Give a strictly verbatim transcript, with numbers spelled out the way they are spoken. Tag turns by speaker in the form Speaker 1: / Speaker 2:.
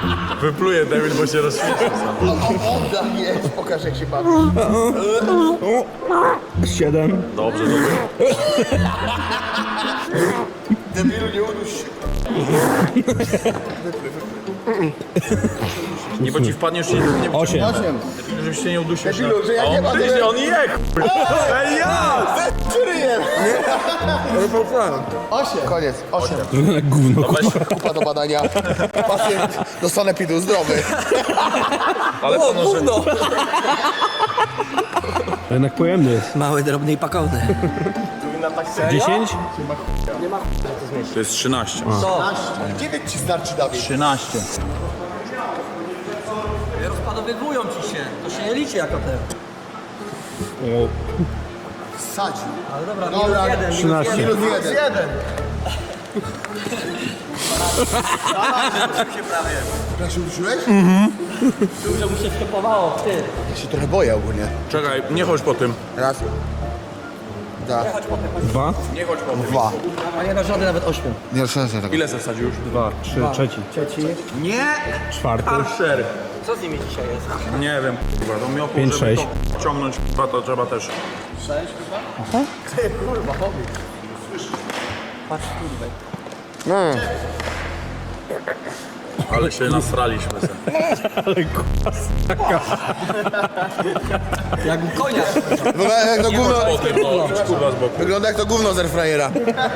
Speaker 1: Wypluje David, bo się rozświecił sam.
Speaker 2: O, o, jest, pokaż jak się bawi.
Speaker 3: Siedem.
Speaker 1: Dobrze, dobrze.
Speaker 2: Debilu, nie uduś się.
Speaker 1: Nie, bo ci wpadniesz i nie
Speaker 3: Osiem.
Speaker 2: Osiem.
Speaker 1: żebyś się nie udusił.
Speaker 2: Debilu, że ja
Speaker 1: A
Speaker 2: nie
Speaker 1: on
Speaker 2: ma
Speaker 1: gryzie,
Speaker 2: tyle-
Speaker 1: on je, Ej, ja!
Speaker 2: Czyryjem. Osiem. Koniec, osiem.
Speaker 3: Gówno.
Speaker 2: Kupa do badania. Pacjent do sanepidu, zdrowy.
Speaker 1: Ale to no, że...
Speaker 3: Jednak pojemny jest.
Speaker 4: Mały, drobny i pakowny.
Speaker 3: Dziesięć?
Speaker 1: To jest trzynaście.
Speaker 2: Dziewięć ci starczy, Dawid.
Speaker 1: trzynaście.
Speaker 4: Rozpadowywują ci się. To się nie liczy jako te.
Speaker 2: Sadzi.
Speaker 4: Ale dobra,
Speaker 2: Dobra,
Speaker 4: minus jeden, minus
Speaker 3: trzynaście.
Speaker 4: jeden.
Speaker 2: Minus jeden. jeden.
Speaker 4: się prawie.
Speaker 2: Ja się udusiłeś?
Speaker 4: Dużo mu się wtopowało, ty.
Speaker 2: Ja się trochę boję ogólnie.
Speaker 1: Czekaj, nie chodź po tym.
Speaker 2: Raz. Dwa.
Speaker 3: Dwa?
Speaker 1: Nie chodź po tym.
Speaker 2: Dwa.
Speaker 4: A nie ma żadnej nawet ośmiu.
Speaker 2: Nie rozszerzę tego.
Speaker 1: Ile zasadził już?
Speaker 3: Dwa. Trzy. Trzeci.
Speaker 4: Trzeci.
Speaker 1: Nie!
Speaker 3: Czwarty.
Speaker 1: Archer.
Speaker 4: Co z nimi dzisiaj jest?
Speaker 1: Nie wiem, kurwa, to miotło,
Speaker 3: Pięć,
Speaker 1: żeby
Speaker 3: sześć.
Speaker 1: to ciągnąć, kurwa, to trzeba też.
Speaker 4: Sześć chyba? Ty kurwa, powiedz. Patrz kurwa.
Speaker 1: Ale się nasraliśmy sobie.
Speaker 4: Jak u konia.
Speaker 2: Wygląda jak to
Speaker 1: Nie chodź
Speaker 2: gówno,
Speaker 1: po tym, no, kurwa z boku.
Speaker 2: wygląda jak to gówno z airfryera.